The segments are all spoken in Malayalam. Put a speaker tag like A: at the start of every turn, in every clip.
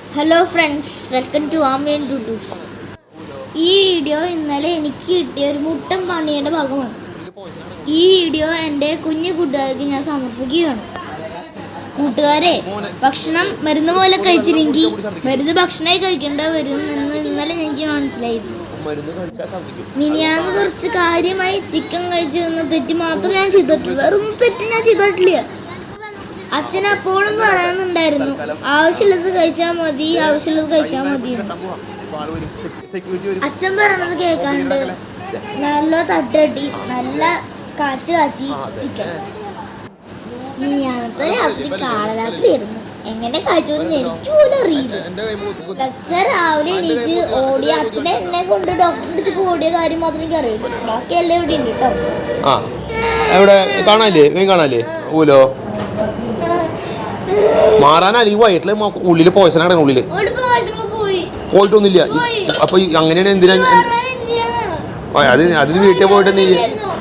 A: ഹലോ ഫ്രണ്ട്സ്, വെൽക്കം ടു ആമേൻ ഡുഡൂസ്. ഈ വീഡിയോ ഇന്നലെ എനിക്ക് കിട്ടിയ ഒരു മുട്ടൻ പണിയുടെ ഭാഗമാണ്. ഈ വീഡിയോ എൻ്റെ കുഞ്ഞു കൂട്ടുകാർക്ക് ഞാൻ സമർപ്പിക്കുകയാണ്. കൂട്ടുകാരെ, ഭക്ഷണം മരുന്ന് പോലെ കഴിച്ചില്ലെങ്കിൽ മരുന്ന് ഭക്ഷണമായി കഴിക്കേണ്ട വരും എന്ന് ഇന്നലെ എനിക്ക് മനസ്സിലായിരുന്നു. മിനിയാന്ന് കുറച്ച് കാര്യമായി ചിക്കൻ കഴിച്ചു എന്ന തെറ്റ് മാത്രം ഞാൻ ചെയ്തിട്ടുള്ളൂ. വേറൊന്നും തെറ്റ് ഞാൻ ചെയ്തിട്ടില്ല. അച്ഛൻ അപ്പോഴും പറയുന്നുണ്ടായിരുന്നു, ആവശ്യമുള്ളത് കഴിച്ചാൽ മതി, ആവശ്യമുള്ളത് കഴിച്ചാൽ മതി. അച്ഛൻ പറയണത് കേൾക്കാണ്ട് നല്ല തട്ടട്ടി നല്ല കാച്ചി ചിക്കൻ. മിനിയാന്നത്തെ രാത്രി കാളരാത്രിയായിരുന്നു. എങ്ങനെ കഴിച്ചോന്ന് എനിക്ക് പോലും അറിയില്ല. അച്ഛൻ രാവിലെ എണീറ്റ് ഓടിയ അച്ഛനെ എന്നെ കൊണ്ട് ഡോക്ടറിന്റെ അടുത്തേക്ക് ഓടിയ കാര്യം മാത്രമേ എനിക്ക് അറിയുള്ളൂ. ബാക്കി എല്ലാം ഇവിടെ ഉണ്ട് കേട്ടോ.
B: ഊലോ മാറാനല്ല, ഈ വയറ്റില് ഉള്ളില് പോയസനാണ്. ഉള്ളില് പോയിട്ടൊന്നുമില്ല. അപ്പൊ അങ്ങനെയാണ്. എന്തിനാ അത് വീട്ടിൽ പോയിട്ട് നീ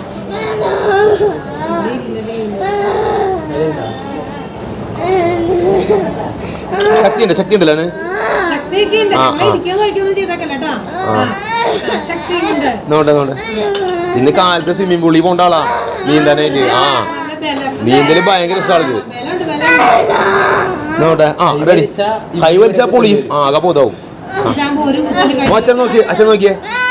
B: ശക്തി ഉണ്ടല്ലോ. നോട്ടെ ഇന്ന് കാലത്ത് സ്വിമ്മിംഗ് പൂളിൽ പോണ്ട ആളാ നീന്താനായിട്ട്. നീന്തല് ഭയങ്കര ഇഷ്ടമാണ്. നോട്ടെ റെഡി. കൈ വലിച്ചാ പൊളിയും. ആകെ പോതാവും. അച്ഛൻ നോക്കിയേ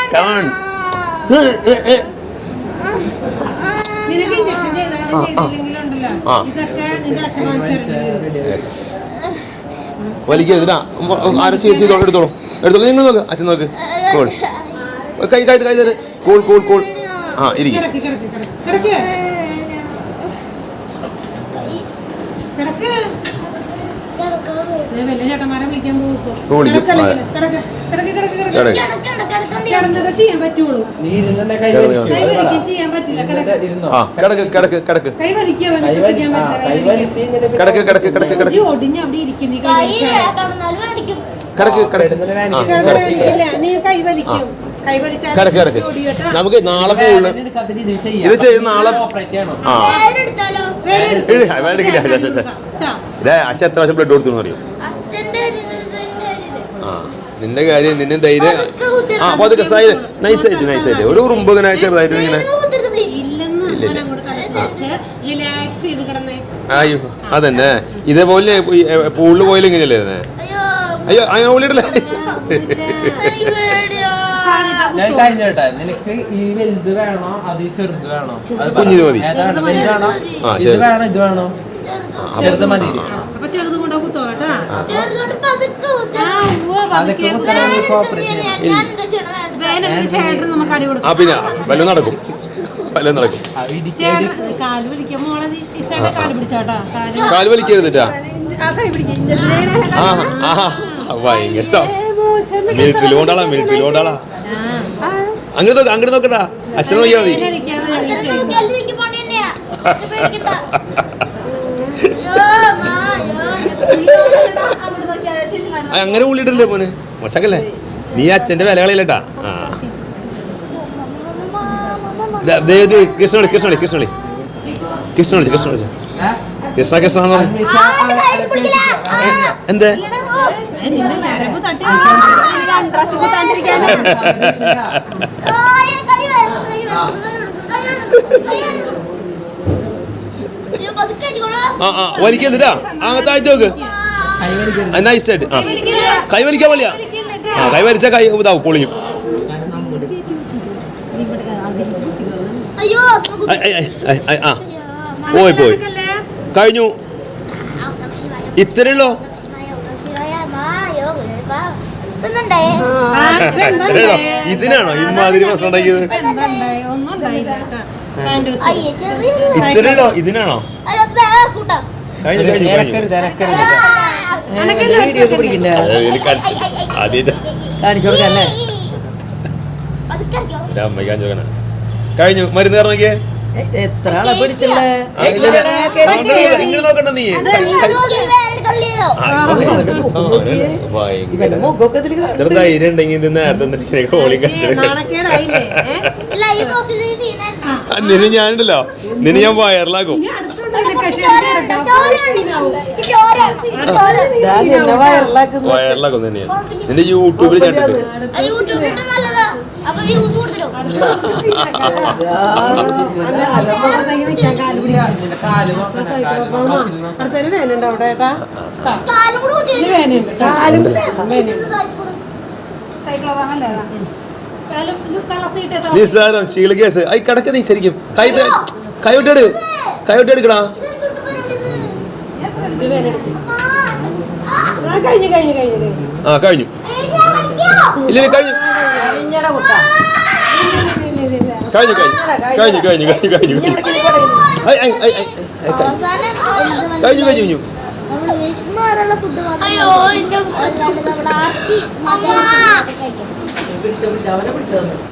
B: വലിക്കരുതാ. ആരെ എടുത്തോളൂ. നിങ്ങൾ നോക്ക്. അച്ഛൻ നോക്ക്. കൂൾ. കൈ തരും. കൂൾ. ഇരിക്കും. നമുക്ക് നാളെ പൂളിന് ഇത് ചെയ്ത് നാളെ അച്ഛൻ എത്ര പ്രാവശ്യം ബ്ലഡ് കൊടുത്തു അറിയോ? നിന്റെ കാര്യം നിന്നെ ധൈര്യം. പതുക്കെ നൈസായിട്ട് ഒരു ഉറുമ്പ് ഇങ്ങനെ ചെറുതായിട്ട് ഇങ്ങനെ. അയ്യോ അതന്നെ, ഇതേപോലെ പൂളിൽ പോയാലും ഇങ്ങനെയല്ലായിരുന്നേ. അയ്യോ ഓളിയിടല്ലേ.
C: ഞാൻ കഴിഞ്ഞേട്ടാ, നിനക്ക് ഈ വലുത് വേണോ അത് ചെറുത് വേണോ?
B: കുഞ്ഞിത് മതി.
C: ഇത് വേണോ ചെറുത് മതി.
B: പിന്നെ വല്ലതും നടക്കും. കാല് വലിക്കരുതിട്ടാ. ഭയങ്കര മിലിറ്ററിയിൽ കൊണ്ടാളാ. അങ്ങോട്ട് നോക്കട്ടാ. അച്ഛൻ നോക്കിയാ മതി. അങ്ങനെ ഉള്ളിട്ടല്ലേ മോനെ, മോശക്കല്ലേ. നീ അച്ഛന്റെ വില കളയില്ലട്ടാ. കൃഷ്ണ എന്തേ വലിക്കരുതാ. താഴ്ത്തി നോക്ക്. നൈസായിട്ട്. കൈ വലിക്കാൻ പാടില്ല. കൈ വലിച്ചാൽ കൈ ഇതാവും, പൊളിയും. പോയി കഴിഞ്ഞു. ഇത്രയുള്ളോ? ഇതിനാണോ ഇമാതിരി പ്രശ്നം ഉണ്ടാക്കിയത്? ഇത്രയുള്ളോ? ഇതിനാണോ? കഴിഞ്ഞു. മരുന്ന് നോക്കിയേ.
C: എത്ര ആളെ പിടിച്ചല്ലേ.
B: നോക്കണ്ട നീ. ധൈര്യം ഉണ്ടെങ്കിൽ നേരത്തെ കോളി നിന്നെ ഞാനുണ്ടല്ലോ, നിന്നെ ഞാൻ വയറിലാക്കും. വയറിലാക്കും തന്നെയാണ് നിന്റെ യൂട്യൂബിൽ കണ്ടിട്ട്
A: യൂട്യൂബിൽ നല്ലതാ. അപ്പൊ വ്യൂസ് കൊടുത്തിട്ടോ.
C: നിന്റെ കാല് നോക്കണ
A: കാലും കൂടെ
B: നിസ്സാരം ചീള് കേസ് ഐ കിടക്ക നീ ശരിക്കും കൈവിട്ടെടുക്കടാ ആ കഴിഞ്ഞു ഇല്ല കഴിഞ്ഞു കഴിഞ്ഞു കഴിഞ്ഞു കഴിഞ്ഞു കഴിഞ്ഞു കഴിഞ്ഞു കഴിഞ്ഞു കഴിഞ്ഞു
A: നമ്മൾ വിശമാറുള്ള ഫുഡ് മാത്രം നമ്മുടെ ആർത്തി മാറ്റാൻ കഴിക്കണം.